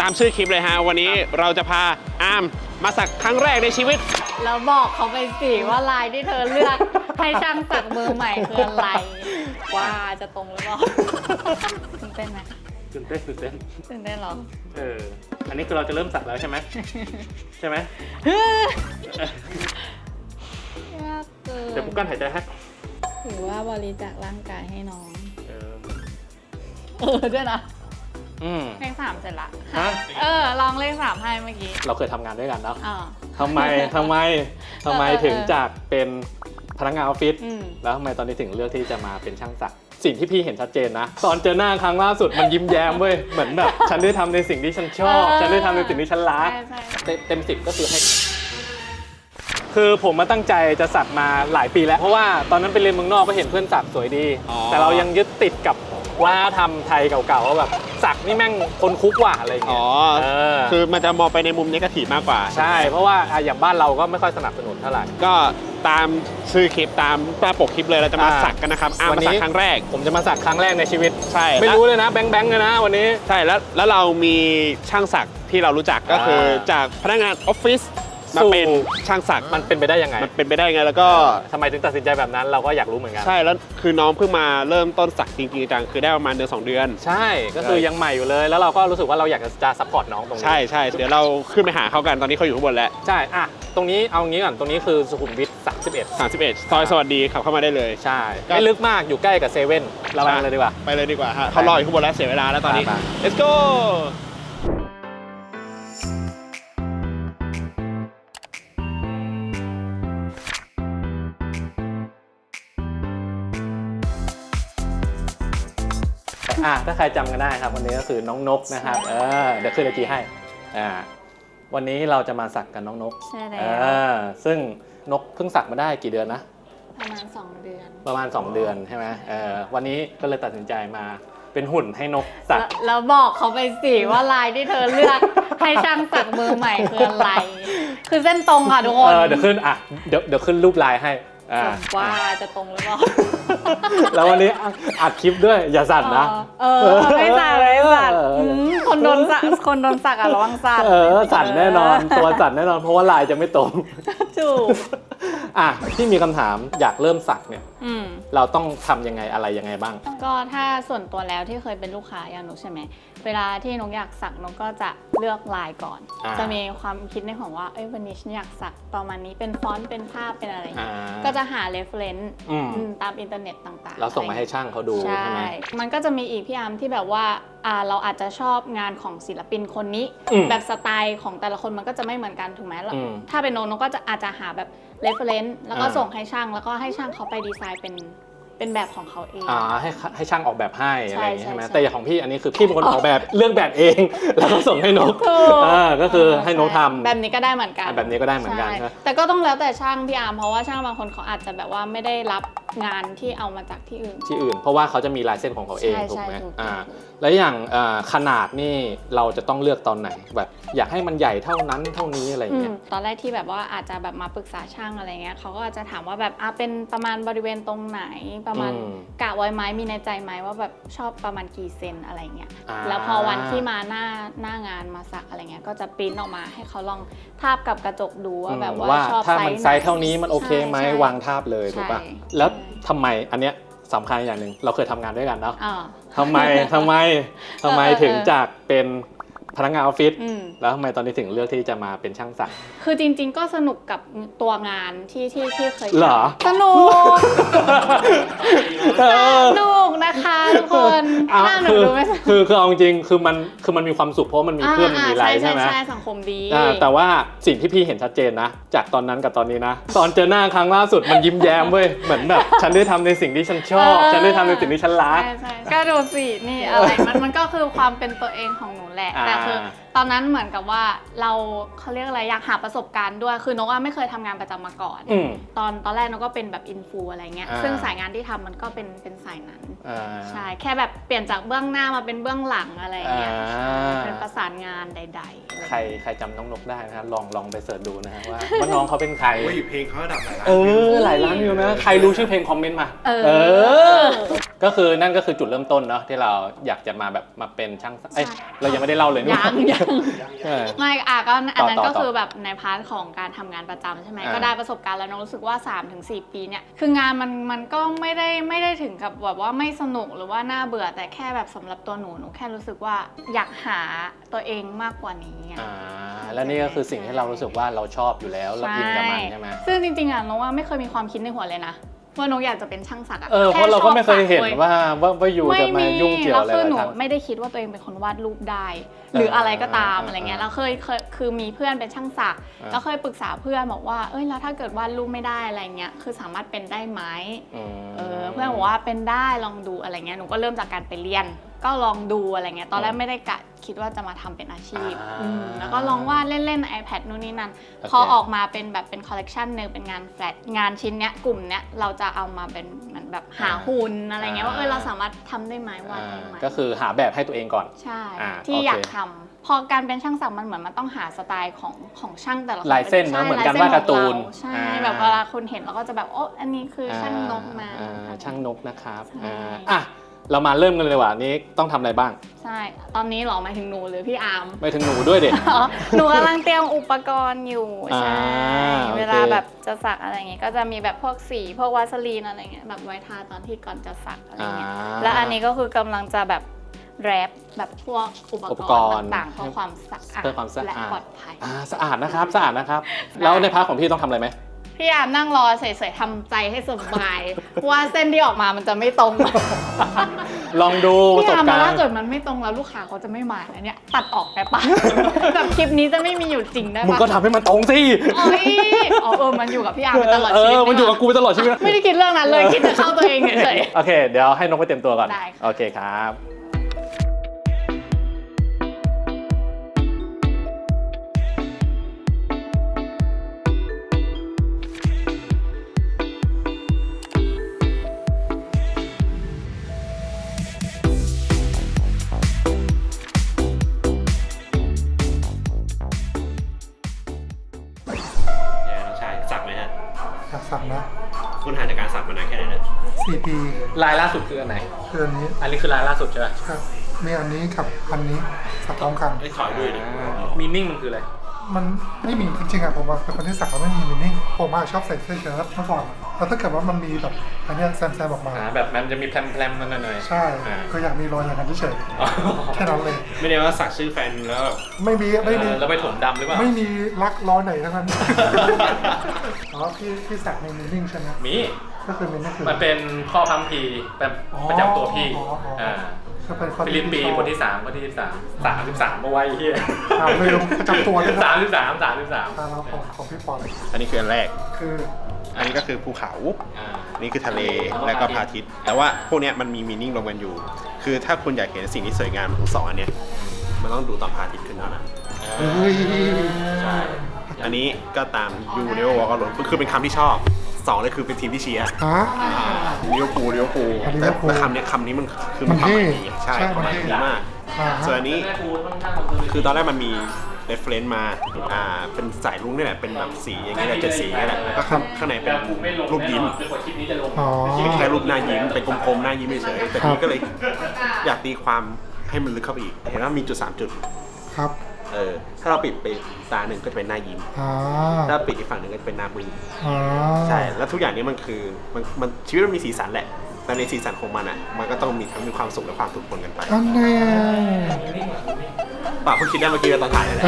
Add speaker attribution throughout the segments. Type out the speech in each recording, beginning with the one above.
Speaker 1: ามชื่อคลิปเลยฮะวันนี้เราจะพาอาร์มมาสักครั้งแรกในชีวิต
Speaker 2: แล้วบอกเขาไปสิว่าลายที่เธอเลือกให้ช่างสักมือใหม่คืออะไรว่าจะตรงหรือเปล่าตื่นเต้นไหม
Speaker 3: ตื่นเต้น
Speaker 2: ตื่นเต้นหรอ
Speaker 3: อันนี้คือเราจะเริ่มสักแล้วใช่ไหมใช่ไหม
Speaker 2: ยากเกิน
Speaker 3: เดี๋ยวปุ๊กกั้นหายใจให้
Speaker 2: ถือว่าบริจาคร่างกายให้น้องด้วยนะเลข 3เสร็จละลองเลข 3ให้เมื่อกี้
Speaker 3: เราเคยทำงานด้วยกันเนาะทำไมถึงจากเป็นพนักงานออฟฟิศแล้วทำไมตอนนี้ถึงเลือกที่จะมาเป็นช่างสักสิ่งที่พี่เห็นชัดเจนนะตอนเจอหน้าครั้งล่าสุดมันยิ้มแย้มเว้ยเหมือนแบบฉันได้ทำในสิ่งที่ฉันชอบฉันได้ทำในสิ่งที่ฉันรักเต็ม10ก็คือให้คือผมมาตั้งใจจะสักมาหลายปีแล้วเพราะว่าตอนนั้นไปเรียนเมืองนอกก็เห็นเพื่อนสักสวยดีแต่เรายังยึดติดกับว่าทำไทยเก่าๆว่าแบบสักนี่แม่งคนคุกว่ะอะไรอย่างเงี้ย
Speaker 1: คือมันจะมองไปในมุมเนกาทีฟมากกว่า
Speaker 3: ใช่เพราะว่าอย่างบ้านเราก็ไม่ค่อยสนับสนุนเท่าไหร่
Speaker 1: ก็ตามชื่อคลิปตามหน้าปกคลิปเลยเราจะมาสักกันนะครับวันนี้ครั้งแรก
Speaker 3: ผมจะมาสักครั้งแรกในชีวิต
Speaker 1: ใช่
Speaker 3: ไม่รู้เลยนะแบงค์เลยนะวันนี้
Speaker 1: ใช่แล้วเรามีช่างสักที่เรารู้จักก็คือจากพนักงานออฟฟิศมาเป็นช่างสัก
Speaker 3: มันเป็นไปได้ยังไง
Speaker 1: มันเป็นไปได้ไงแล้วก็
Speaker 3: ทำไมถึงตัดสินใจแบบนั้นเราก็อยากรู้เหมือนกัน
Speaker 1: ใช่แล้วคือน้องเพิ่งมาเริ่มต้นสักจริงๆจังคือได้ประมาณ1-2 เดือน
Speaker 3: ใช่ก็คือยังใหม่อยู่เลยแล้วเราก็รู้สึกว่าเราอยากจะซัพพอร์ตน้องตรงนี้
Speaker 1: ใช่เดี๋ยวเราขึ้นไปหาเขากันตอนนี้เขาอยู่ข้างบนแล้ว
Speaker 3: ใช่ตรงนี้เอางี้ก่อนตรงนี้คือสุขุมวิท31
Speaker 1: ซอยสวัสดีขับเข้ามาได้เลย
Speaker 3: ใช่ไม่ลึกมากอยู่ใกล้กับเซเว่นเราไปเลยดีกว่า
Speaker 1: ฮะเขารออยู่ข้างบนแล้วเสียเวลาแล้วตอนนี้ let's go
Speaker 3: ถ้าใครจำกันได้ครับวันนี้ก็คือน้องนกนะครับเดี๋ยวขึ้นไอจีให้วันนี้เราจะมาสักกันน้องนก
Speaker 2: ใช่แล้ว
Speaker 3: ซึ่งนกเพิ่งสักมาได้กี่เดือนนะ
Speaker 2: ประมาณ2 เดือน
Speaker 3: ใช่ไหมวันนี้ก็เลยตัดสินใจมาเป็นหุ่นให้นกสัก
Speaker 2: แล้วบอกเขาไปสิว่าลายที่เธอเลือกให้ช่างสักมือใหม่คืออะไรคือเส้นตรงค่ะทุกคน
Speaker 3: เดี๋ยวขึ้นรูปลายให้
Speaker 2: ว่าจะตรงหรือเปล่า
Speaker 3: แล้ววันนี้อัดคลิปด้วยอย่าสั่นนะ
Speaker 2: ไม่สั่นคนโดนสักระวังสั่น
Speaker 3: สั่นแน่นอนตัวสั่นแน่นอนเพราะว่าลายจะไม่ตรง
Speaker 2: ถูก
Speaker 3: ที่มีคำถามอยากเริ่มสักเนี่ยเราต้องทำยังไงอะไรยังไงบ้าง
Speaker 2: ก็ถ้าส่วนตัวแล้วที่เคยเป็นลูกค้าอย่างหนูใช่ไหมเวลาที่นกอยากสักนกก็จะเลือกลายก่อนจะมีความคิดในของว่าวันนี้ฉันอยากสักประมาณนี้เป็นฟอนต์เป็นภาพเป็นอะไรอย่างเงี้ยก็จะหา reference ตามอินเทอร์เน็ตต่างๆ
Speaker 3: เราส่งมาให้ช่างเขาดูใช่ไหม
Speaker 2: มันก็จะมีอีกพี่อาร์มที่แบบว่าเราอาจจะชอบงานของศิลปินคนนี้แบบสไตล์ของแต่ละคนมันก็จะไม่เหมือนกันถูกไหมถ้าเป็นนกก็อาจจะหาแบบ reference แล้วก็ส่งให้ช่างแล้วก็ให้ช่างเขาไปดีไซน์เป็นแบบของเขาเอง
Speaker 3: ให้ช่างออกแบบให้อะไรอย่างนี้ใช่ไหมแต่อย่างของพี่อันนี้คือพี่เป็นคนออกแบบเรื่องแบบเองแล้วก็ส่งให้นกก็คือให้นกทำ
Speaker 2: แบบนี้ก็ได้เหมือนกัน
Speaker 3: แบบนี้ก็ได้เหมือนกัน
Speaker 2: แต่ก็ต้องแล้วแต่ช่างพี่อาร์มเพราะว่าช่างบางคนเขาอาจจะแบบว่าไม่ได้รับงานที่เอามาจากที่อื่น
Speaker 3: เพราะว่าเขาจะมีลายเส้นของเขาเองถูกไหมแล้วอย่างขนาดนี่เราจะต้องเลือกตอนไหนแบบอยากให้มันใหญ่เท่านั้นเท่านี้อะไรอย่างเงี้ย
Speaker 2: ตอนแรกที่แบบว่าอาจจะแบบมาปรึกษาช่างอะไรเงี้ยเขาก็อาจจะถามว่าแบบเป็นประมาณบริเวณตรงไหนประมาณกะไว้ไหมมีในใจไหมว่าแบบชอบประมาณกี่เซนอะไรเงี้ยแล้วพอวันที่มาหน้างานมาสักอะไรเงี้ยก็จะปริ้นออกมาให้เขาลองทาบกับกระจกดูว่าแบบว่าชอบ
Speaker 3: ถ้ามันไซส์เท่านี้มันโอเคไหมวางทาบเลยถูกป่ะแล้วทำไมอันเนี้ยสำคัญอย่างหนึ่งเราเคยทำงานด้วยกันเนาะทำไมถึงจากเป็นพนักงานออฟฟิศแล้วทำไมตอนนี้ถึงเลือกที่จะมาเป็นช่างสัก
Speaker 2: คือจริงๆก็สนุกกับตัวงานที่เคย
Speaker 3: เหรอ
Speaker 2: สนุกนะคะทุกคนน่าหนูดูไหม
Speaker 3: คือเอาจริงคือมันมีความสุขเพราะมันมีเพื่อนมีไลน์ใช่ไหม
Speaker 2: ใช่สังคมดี
Speaker 3: แต่ว่าสิ่งที่พี่เห็นชัดเจนนะจากตอนนั้นกับตอนนี้นะตอนเจอหน้าครั้งล่าสุดมันยิ้มแย้มเว้ยเหมือนแบบฉันได้ทำในสิ่งที่ฉันชอบฉันได้ทำในสิ่งที่ฉันรัก
Speaker 2: ก็ดูสินี่อะไรมันก็คือความเป็นตัวเองของหนูแหละแต่คือตอนนั้นเหมือนกับว่าเขาเรียกอะไรอยากหาประสบการณ์ด้วยคือนกไม่เคยทำงานประจำมาก่อนตอนแรกนกก็เป็นแบบอินฟูอะไรเงี้ยซึ่งสายงานที่ทำมันก็เป็นสายนั้นใช่แค่แบบเปลี่ยนจากเบื้องหน้ามาเป็นเบื้องหลังอะไรเงี้ยเป็นประสานงานใดๆ
Speaker 3: ใครจำน้องนกได้นะครับลองไปเสิร์ชดูนะฮะว่าน้องเขาเป็นใคร
Speaker 1: เพลงเขาระดับหลายล้าน
Speaker 3: หลายล้านวิวนะใครรู้ชื่อเพลงคอมเมนต์มาก็คือนั่นก็คือจุดเริ่มต้นเนาะที่เราอยากจะมาแบบมาเป็นช่างเรายังไม่ได้เล่าเลย
Speaker 2: ยัง
Speaker 3: เออ
Speaker 2: ไม่ก็อันนั้น
Speaker 3: ต่อ
Speaker 2: ก็คือแบบในพาร์ทของการทำงานประจำใช่ไหมก็ได้ประสบการณ์แล้วน้องรู้สึกว่า 3-4 ปีเนี่ยคืองานมันก็ไม่ได้ถึงกับแบบว่าไม่สนุกหรือว่าน่าเบื่อแต่แค่แบบสำหรับตัวหนูแค่รู้สึกว่าอยากหาตัวเองมากกว่านี้ไง
Speaker 3: แล้วนี่ก็คือสิ่งที่เรารู้สึกว่าเราชอบอยู่แล้วเราอินกับมันใช่ไหม
Speaker 2: ซึ่งจริงๆน้องว่าไม่เคยมีความคิดในหัวเลยนะว่านกอยากจะเป็นช่างสัก
Speaker 3: เพราะเราก็ไม่เคยเห็นว่าอยู่จะมายุ่งเกี่ยวอะไร
Speaker 2: แล้วคือหนู
Speaker 3: กับ
Speaker 2: ไม่ได้คิดว่าตัวเองเป็นคนวาดรูปได้ หรืออะไรก็ตามอะไรเงี้ยแล้วเคยคือมีเพื่อนเป็นช่างสักแล้วเคยปรึกษาเพื่อนบอกว่าแล้วถ้าเกิดวาดรูปไม่ได้อะไรเงี้ยคือสามารถเป็นได้ไหมเพื่อนบอกว่าเป็นได้ลองดูอะไรเงี้ยหนูก็เริ่มจากการไปเรียนก็ลองดูอะไรเงี้ยตอนแรกไม่ได้กะคิดว่าจะมาทำเป็นอาชีพแล้วก็ลองวาดเล่นๆ iPad นู่นนี่นั่นพอออกมาเป็นแบบเป็นคอลเลกชันนึงเป็นงานแฟลตงานชิ้นเนี้ยกลุ่มเนี้ยเราจะเอามาเป็นเหมือนแบบหาหุ่นอะไรเงี้ยว่าเราสามารถทำได้ไหมวาดได้ไหม
Speaker 3: ก็คือหาแบบให้ตัวเองก่อน
Speaker 2: ใช่
Speaker 3: โอเค
Speaker 2: ที่อยากทำพอการเป็นช่างสักมันเหมือนมันต้องหาสไตล์ของช่างแต่ละคน
Speaker 3: ลายเส้นนะเหมือนการวาดการ์ตูน
Speaker 2: ใช่แบบเวลาคนเห็นเราก็จะแบบอันนี้คือช่างนกนะ
Speaker 3: ช่างนกนะครับ
Speaker 2: ใช่
Speaker 3: เรามาเริ่มกันเลยดีกว่านี้ต้องทำอะไรบ้าง
Speaker 2: ใช่ตอนนี้หรอหมายถึงหนูหรือพี่อาร์ม
Speaker 3: ไปถึงหนูด้วยเด็ก
Speaker 2: หนูกำลังเตรียมอุปกรณ์อยู่ใช่
Speaker 3: โอเค
Speaker 2: เวลาแบบจะสักอะไรเงี้ยก็จะมีแบบพวกสีพวกวาสลีนอะไรเงี้ยแบบไว้ทาตอนที่ก่อนจะสักอะไรเงี้ยและอันนี้ก็คือกำลังจะแบบแรปแบบพวกอุปกรณ์ต่างๆเพื่อความสะอาด
Speaker 3: เพื่อความสะอาด
Speaker 2: และปลอดภัย
Speaker 3: สะอาดนะครับสะอาดนะครับ แล้วในพาร์ทของพี่ต้องทำอะไรไหม
Speaker 2: พี่อาร์มนั่งรอเฉยๆทำใจให้สบาย ว่าเส้นที่ออกมามันจะไม่ตรง
Speaker 3: ลองดูประ
Speaker 2: พี่
Speaker 3: สบ
Speaker 2: อาร์ม
Speaker 3: การ
Speaker 2: ถ้า
Speaker 3: ณ์
Speaker 2: เกิดมันไม่ตรงแล้วลูกค้าเขาจะไม่มานะเนี่ยตัดออกได้ปะ แบบคลิปนี้จะไม่มีอยู่จริงได้ปะ
Speaker 3: มึงก็ทำให้มันตรงสิ
Speaker 2: มันอยู่กับพี่อาร์มไปตลอดชีวิต
Speaker 3: มันอยู่กับกูไปตลอดชีวิต
Speaker 2: ไม่ได้คิดเรื่องนั้นเลยคิดแต่เข้าตัวเองเฉย
Speaker 3: โอเค เดี๋ยวให้น้องไปเตรียมตัวก่อน
Speaker 2: ได้ค่ะ
Speaker 3: โอเคครับ
Speaker 1: น้องชายสักไหมฮะ
Speaker 4: อยากสักนะ
Speaker 1: คุณหาจากการสักมานานแค่ไหนนะ
Speaker 4: 4 ปี
Speaker 3: ลายล่าสุดคืออันไหน
Speaker 4: คืออันนี้
Speaker 3: อันนี้คือลายล่าสุดใช่ไหม
Speaker 4: ครับมีอันนี้กับอันนี้สักพร้อมกัน
Speaker 1: ขอดูหน่อย
Speaker 3: มีนิ่งมันคืออะไร
Speaker 4: มันไม่มีจริงๆอะผมว่าเป็นคนที่สักแล้วไม่มีมินนิ่งผมชอบใส่เสื้อเชิ้ตเมื่อก่อนแล้วถ้าเกิดว่ามันมีแบบอันเนี้ยแซมๆออกมา
Speaker 3: แบบมันจะมีแพรมๆนั่นหน่อย
Speaker 4: ใช่ก็อยากมีรอยอย่างนั้นเฉยๆแค่นั้นเลย
Speaker 1: ไม่ได้ว่าสักชื่อแฟนแล้วแบบ
Speaker 4: ไม่มี
Speaker 3: แล้วไปถมดำหรือเปล่า
Speaker 4: ไม่มีรักรอยไหนทั้งนั้น อ๋อพี่สักในมินนิ่งใช่ไหม
Speaker 3: มี
Speaker 4: ก็คือมินนิ่งคือ
Speaker 3: มันเป็นข้อพัมพีแบบประจำตัวพี่
Speaker 4: ก็เป็นความ
Speaker 3: ฟิลิปปีบทที่3ข้อที่33เอาไว้เฮีย
Speaker 4: ลืมประจำตัวด้วยนะ
Speaker 3: 33
Speaker 4: แล้วของพี่ปอน
Speaker 1: อันนี้คืออันแรก
Speaker 4: คือ
Speaker 1: อันนี้ก็คือภูเขาอันนี้คือทะเลแล้วก็พระอาทิตย์ แต่ว่าพวกเนี้ยมันมีมีนิ่งรวมกันอยู่ คือถ้าคุณอยากเห็นสิ่งที่สวยงามของสองอันเนี้ยมันต้องดูตอนพระอาทิตย์ขึ้นเท่านั้น
Speaker 4: เฮ้ย
Speaker 1: ใช่ อันนี้ก็ตามยูเนโววอลก็หลงคือเป็นคำที่ชอบสองเลยคือเป็นทีมที่เชียร์
Speaker 4: ฮะ
Speaker 1: ลิเวอร์พูลแต่คำนี้มันคือ
Speaker 4: มัน
Speaker 1: ความห
Speaker 4: เท่
Speaker 1: มายดีใช่
Speaker 4: ใช่
Speaker 1: ความหมาย
Speaker 4: มันเท่
Speaker 1: ดีมาก ส่วนอันนี้คือตอนแรกมันมีเรฟเฟรนซ์มาเป็นสายรุ้งนี่แหละเป็นแบบสีอย่างเงี้ยแหละ7 สีนี่แหละแล้วก็ข้างในเป็นรูปยิ้ม
Speaker 4: อ๋อ
Speaker 1: แค่รูปหน้ายิ้มเป็นกลมๆหน้ายิ้มเฉยๆแต่ทีนี้ก็เลยอยากตีความให้มันลึกเข้าไปอีกเห็นว่ามีจุด3 จุด
Speaker 4: ครับ
Speaker 1: ถ้าเราปิดไปตาหนึ่งก็จะเป็นหน้ายิ้ม
Speaker 4: อ่า
Speaker 1: ถ้าปิดอีกฝั่งหนึ่งก็จะเป็นหน้าบึ้ง
Speaker 4: อ่า
Speaker 1: ใช่ แล้วทุกอย่างนี้มันคือมันชีวิตมันมีสีสันแหละ แต่ในสีสันของมันอ่ะ มันก็ต้องมีทั้งมีความสุขและความทุกข์ปนกันไป
Speaker 4: อันแน่
Speaker 1: ป่าเพิ่งคิดได้เมื่อกี้ตอนถ่ายเลยแหละ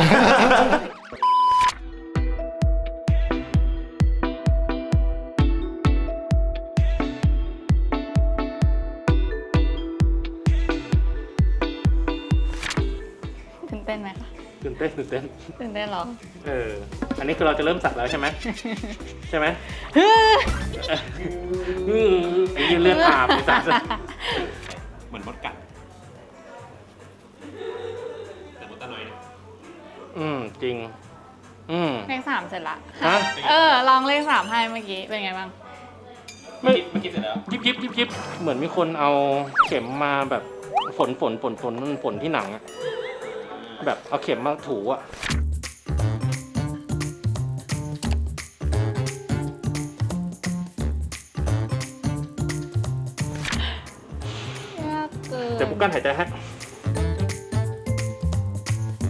Speaker 2: ตื่นเต้นไหมคะ
Speaker 3: ตื่นเต้น
Speaker 2: ตื่นเต้นเหรอ
Speaker 3: อันนี้คือเราจะเริ่มสักแล้วใช่ไหม ใช่ไหมยืนเลือดอาบสัก
Speaker 1: เหมือนมดกัดแต่มดตะหน่อยเนี่ย
Speaker 3: จริง
Speaker 2: เลข 3เสร็จละ
Speaker 3: ฮะ
Speaker 2: ลองเลข 3ให้เมื่อกี้เป็นไงบ้าง
Speaker 1: เมื่อกี้เสร็จแล้ว
Speaker 3: ยิบเหมือนมีคนเอาเข็มมาแบบฝนที่หนังอะแบบเอาเข็มมาถูอะ
Speaker 2: ยากเกิน
Speaker 3: เดี๋ยวปุ๊กกั้นหายใจให้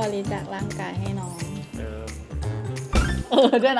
Speaker 2: ริจาคร่างกายให้น้อง
Speaker 3: เออ
Speaker 2: ด้วยนะ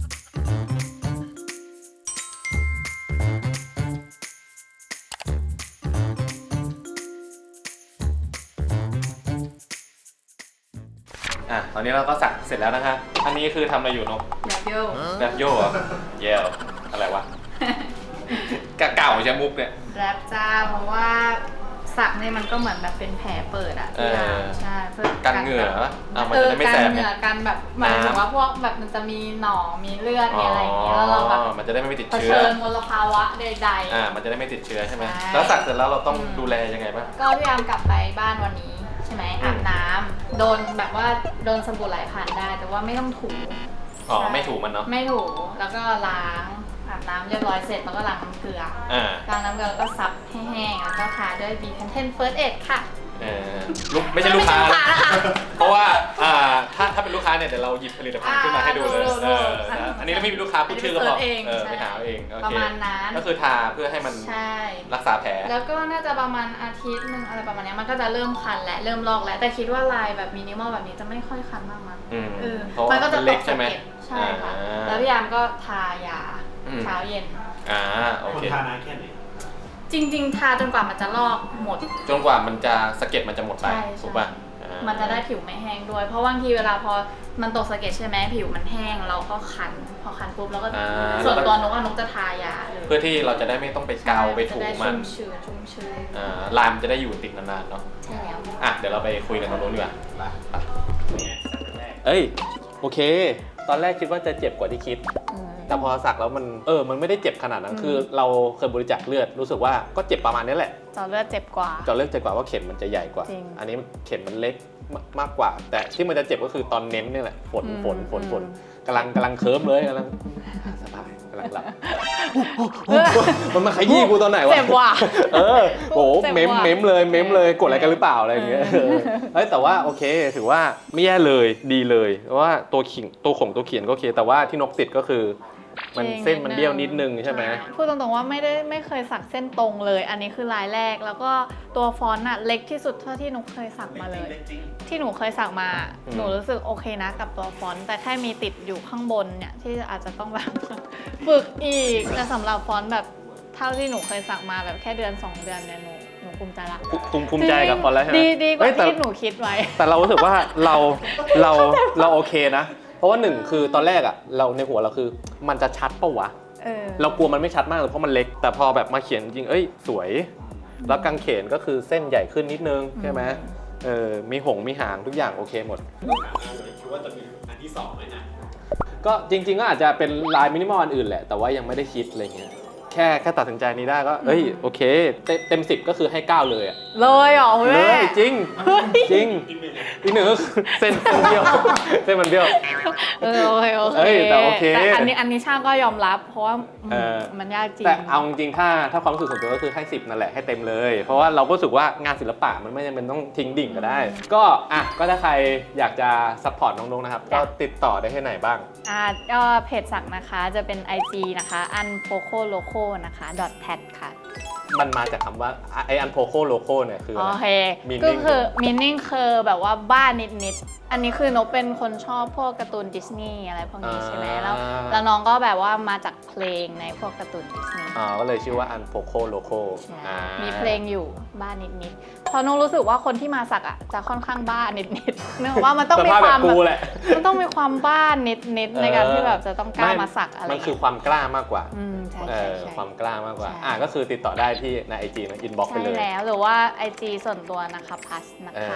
Speaker 3: ตอนนี้เราก็สักเสร็จแล้วนะคะอันนี้คือทำอะไรอยู่นก
Speaker 2: แบบโย
Speaker 3: แบบโย่เหรอเย่อะไรวะ กะเก่าใช่มุกเนี่ย
Speaker 2: แรปจ้าเพราะว่าสักเนี่ยมันก็เหมือนแบบเป็นแผลเปิดอะที่ร้านใช่เพื่อ
Speaker 3: กันเหงื่อวะมันจะได้ไม่แสบ
Speaker 2: กันเหงื่อกันแบบหมายถึงว่าพวกแบบมันจะมีหนองมีเลือดมีอะไรอย่างเงี้ยแล้วเราแบบ
Speaker 3: มันจะได้ไม่ติด
Speaker 2: เผ
Speaker 3: เชื้อ
Speaker 2: ชิญมลภาวะใด
Speaker 3: มันจะได้ไม่ติดเชื้อใช่ไหม
Speaker 2: ใช่
Speaker 3: แล้วสักเสร็จแล้วเราต้องดูแลยังไงบ้าง
Speaker 2: ๆ ก็พยายามกลับไปบ้านวันนี้ใช่ไหมอาบน้ำโดนแบบว่าโดนสบู่ไหลผ่านได้แต่ว่าไม่ต้องถู
Speaker 3: ไม่ถูกมันเนาะ
Speaker 2: ไม่ถูแล้วก็ล้างอาบน้ำเรียบร้อยเสร็จแล้วก็ล้างน้ำเกลือล้างน้ำเกลือแล้วก็ซับให้แห้งแล้วก็ทาด้วย B10 First Aid ค่ะ
Speaker 3: ไม่ใช่ลูกค้า
Speaker 2: ไม่ใช่ลูกค้านะคะ
Speaker 3: เพราะว่าถ้าเป็นลูกค้าเนี่ยเดี๋ยวเราหยิบผลิตภัณฑ์ขึ้นมาให้ดูเลย อันนี้เราไม่มีลูกค้าพูดชื่อก็พอไปหาเองโอเค
Speaker 2: ประมาณนั้น
Speaker 3: ก็คือทาเพื่อให้มัน
Speaker 2: ใช่
Speaker 3: รักษาแผล
Speaker 2: แล้วก็น่าจะประมาณอาทิตย์หนึ่งอะไรประมาณนี้มันก็จะเริ่มคันและเริ่มลอกแล้วแต่คิดว่าลายแบบมินิมอลแบบนี้จะไม่ค่อยคันมากมั้ง
Speaker 3: เพราะ
Speaker 2: มันก็จะ
Speaker 3: เล็ก
Speaker 2: ต
Speaker 3: ใช่ไหม
Speaker 2: สะเก็ดใช่ค่ะแล้วพี่ยามก็ทายาเช้าเย็น
Speaker 3: โอ
Speaker 1: คน
Speaker 3: เค
Speaker 1: ทานานแค่ไหน
Speaker 2: จริงๆ ทาจนกว่ามันจะลอกหมด
Speaker 3: จนกว่ามันจะสะเก็ดมันจะหมดไป
Speaker 2: ใช่
Speaker 3: ถูกป่ะ
Speaker 2: มันจะได้ผิวไม่แห้งด้วย เพราะบางทีเวลาพอมันตกสะเก็ดใช่ไหมผิวมันแห้งเราก็คัน พอคันปุ๊บเราก็ส่วนตัวนกนกจะทายาเลย
Speaker 3: เพื่อที่เราจะได้ไม่ต้องไปเกาไปถูมัน
Speaker 2: ชุ่มชื้น
Speaker 3: ลายมันจะได้อยู่ติดนานๆเนาะ
Speaker 2: ใช่แล้ว
Speaker 3: เดี๋ยวเราไปคุยกันตรงนู้นดีกว่า
Speaker 1: เนี่ยแรก
Speaker 3: เอ้ยโอเค ตอนแรกคิดว่าจะเจ็บกว่าที่คิด แต่พอสักแล้วมันไม่ได้เจ็บขนาดนั้นคือเราเคยบริจาคเลือดรู้สึกว่าก็เจ็บประมาณนี้แหละ
Speaker 2: เจาะเลือดเจ็บกว่า
Speaker 3: เจาะเลือดเจ็บกว่าว่าเข็มมันจะใหญ่กว่า
Speaker 2: จริง
Speaker 3: อันนี้เข็มมันเล็กมากกว่า แต่ที่มันจะเจ็บก็คือตอนเน้นนี่แหละฝนกำลังเคิร์มเลยกำลังสบายกำลังหลับมันมาขยี้กูตอนไหนวะ
Speaker 2: เจ็บว่ะ
Speaker 3: โอ้
Speaker 2: เจ็บ
Speaker 3: เม้ม
Speaker 2: ว่ะ
Speaker 3: เลยกดอะไรกันหรือเปล่าอะไรอย่างเงี้ยแต่ว่าโอเคถือว่าไม่แย่เลยดีเลยเพราะว่าตัวเขียนก็โอเคแต่ว่าที่นกติดก็คือมันเส้นมันเบี้ยวนิดนึงใช่ไหม
Speaker 2: พูดตรงๆว่าไม่เคยสักเส้นตรงเลย อันนี้คือลายแรกแล้วก็ตัวฟอนต์อะเล็กที่สุดเท่าที่หนูเคยสักมาเลย ที่หนูเคยสักมาหนูรู้สึกโอเคนะกับตัวฟอนต์แต่แค่มีติดอยู่ข้างบนเนี่ยที่อาจจะต้องแบบ ฝึกอีกแต่สำหรับฟอนต์แบบเท่าที่หนูเคยสักมาแบบแค่เดือน 2 เดือนเนี่ยหนูภูมิใจละ
Speaker 3: ภูมิใจกับฟอนต์แล้วใช่ไหม
Speaker 2: ดีกว่าที่หนูคิดไว้
Speaker 3: แต่เรารู้สึกว่าเราโอเคนะเพราะว่าหนึ่งคือตอนแรกอะเราในหัวเราคือมันจะชัดปะวะเรากลัวมันไม่ชัดมากเลยเพราะมันเล็กแต่พอแบบมาเขียนจริงสวยแล้วกางเขนก็คือเส้นใหญ่ขึ้นนิดนึงใช่ไหมมีมีหางทุกอย่างโอเคหมด
Speaker 1: คิดว่าจะมีอันที่2ไหมนะ
Speaker 3: ก็จริงๆก็อาจจะเป็นลายมินิมอลอันอื่นแหละแต่ว่ายังไม่ได้คิดอะไรเงี้ยแค่ตัดสินใจนี้ได้ก็โอเคเต็ม10ก็คือให้9เลยอะ
Speaker 2: เลยเหรอคุณ
Speaker 3: เล
Speaker 2: แม่
Speaker 3: ยจริงอีกหนึ่งเส้นเบี้ยวเส้นมันเบี้ยว
Speaker 2: โอเค
Speaker 3: แต่โอเค
Speaker 2: แต่อันนี้ช่างก็ยอมรับเพราะว่ามันยากจริง
Speaker 3: แต่เอาจริงๆถ้าความรู้สึกส่วนตัวก็คือให้10นั่นแหละให้เต็มเลย เพราะว่าเราก็รู้สึกว่างานศิลปะมันไม่จำเป็นต้องทิ้งดิ่งก็ได้ ก็ถ้าใครอยากจะซัพพอร์ตน้องๆนะครับก็ติดต่อได้ที่ไหนบ้าง
Speaker 2: ก็เพจสักนะคะจะเป็น IG นะคะ unpocoloco นะคะ .tat ค่ะ
Speaker 3: มันมาจากคำว่าไออันโพโคโลโก้เนี่ยคืออะไร
Speaker 2: โอเค
Speaker 3: meaning
Speaker 2: ก็คือ meaning คือแบบว่าบ้านนิดๆ อันนี้คือนกเป็นคนชอบพวกการ์ตูนดิสนีย์อะไรพวกนี้ใช่ไหมแล้วน้องก็แบบว่ามาจากเพลงในพวกการ์ตูนดิสนีย์
Speaker 3: ก็เลยชื่อว่าอันโพโคโลโก้
Speaker 2: มีเพลงอยู่บ้านนิดๆเพราะน้องรู้สึกว่าคนที่มาสักอ่ะจะค่อนข้างบ้านนิดๆเนื่องจากว่ามันต้องมีความมันต้องมีความบ้านนิดๆในการที่แบบจะต้องกล้ามาสักอะไร
Speaker 3: มันคือความกล้ามากกว่า
Speaker 2: ใช่
Speaker 3: ความกล้ามากกว่าก็คือติดต่อได้ที่ใน IG นะอินบ็อกซ์ไปเลย
Speaker 2: ใช่แล้วหรือว่า IG ส่วนตัวนะคะพัสนะคะ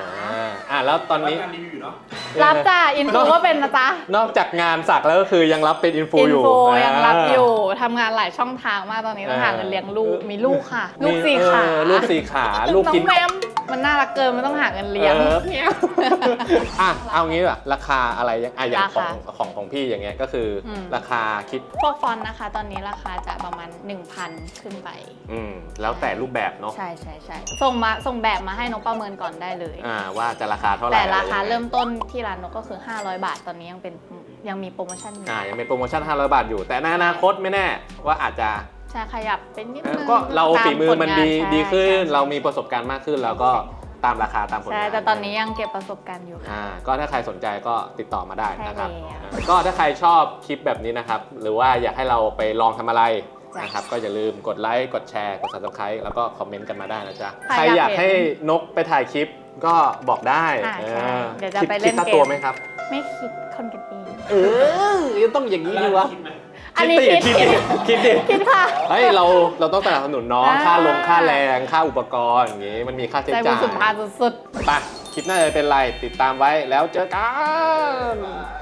Speaker 3: แล้วตอนนี้
Speaker 1: การรีวิวอยู่เนาะ
Speaker 2: รับจ้าอินฟูก็เป็นนะจ๊ะ
Speaker 3: นอกจากงานสักแล้วก็คือยังรับเป็นอินฟูอยู่
Speaker 2: ยังรับอยู่ทำงานหลายช่องทางมากตอนนี้ต้องหาเงินเลี้ยงลูกมีลูกค่ะ ลูก4 ขา
Speaker 3: ลูก4 ขาลูกกิน
Speaker 2: น้องแมมมันน่ารักเกินมันต้องหาเงินเลี้ยง
Speaker 3: เอางี้แบบราคาอะไรอย่างของพี่อย่างเงี้ยก็คือราคาคิด
Speaker 2: พวกฟอนต์นะคะตอนนี้ราคาจะประมาณ 1,000 ขึ้นไป
Speaker 3: แล้วแต่รูปแบบเนาะ
Speaker 2: ใช่ส่งแบบมาให้นกประเมินก่อนได้เลย
Speaker 3: ว่าจะราคาเท่าไหร่
Speaker 2: แต่ราคาเริ่มต้นที่ร้านนกก็คือ500 บาทตอนนี้ยังมีโปรโมชั่นอยู่
Speaker 3: ยังมีโปรโมชั่น500 บาทอยู่แต่ในอนาคตไม่แน่ว่าอาจจะ
Speaker 2: ใช่ขยับเป็นนิดนึง
Speaker 3: ก็เราฝีมือมันดีขึ้นเรามีประสบการณ์มากขึ้นแล้วก็ตามราคาตามผลงาน
Speaker 2: ใช่แต่ตอนนี้ยังเก็บประสบการณ์อยู่ค่ะ
Speaker 3: ก็ถ้าใครสนใจก็ติดต่อมาได้นะครับ
Speaker 2: ใช่แล้ว
Speaker 3: ก็ถ้าใครชอบคลิปแบบนี้นะครับหรือว่าอยากให้เราไปลองทำอะไรนะครับก็อย่าลืมกดไลค์กดแชร์กด Subscribe แล้วก็คอมเมนต์กันมาได้นะจ๊ะใครอยากให้นกไปถ่ายคลิปก็บอกได้
Speaker 2: ใช่เดี๋ยวจะไปเล่น
Speaker 3: คิดค่าตัวไหมครับ
Speaker 2: ไม่คิดคนกันเอง
Speaker 3: ยังต้องอย่างนี้ดีวะ
Speaker 2: อันนี้คิด
Speaker 3: คิดดิ
Speaker 2: คิดค่ะ
Speaker 3: เฮ้ยเราต้องสนับสนุนน้อง
Speaker 2: อ่า
Speaker 3: ค่าลงค่าแรงค่าอุปกรณ์อย่างงี้มันมีค่าใช้
Speaker 2: ใจบุญ
Speaker 3: จ่าย
Speaker 2: สุนทานสุด
Speaker 3: ไปคลิปหน้าจะเป็นไรติดตามไว้แล้วเจอกัน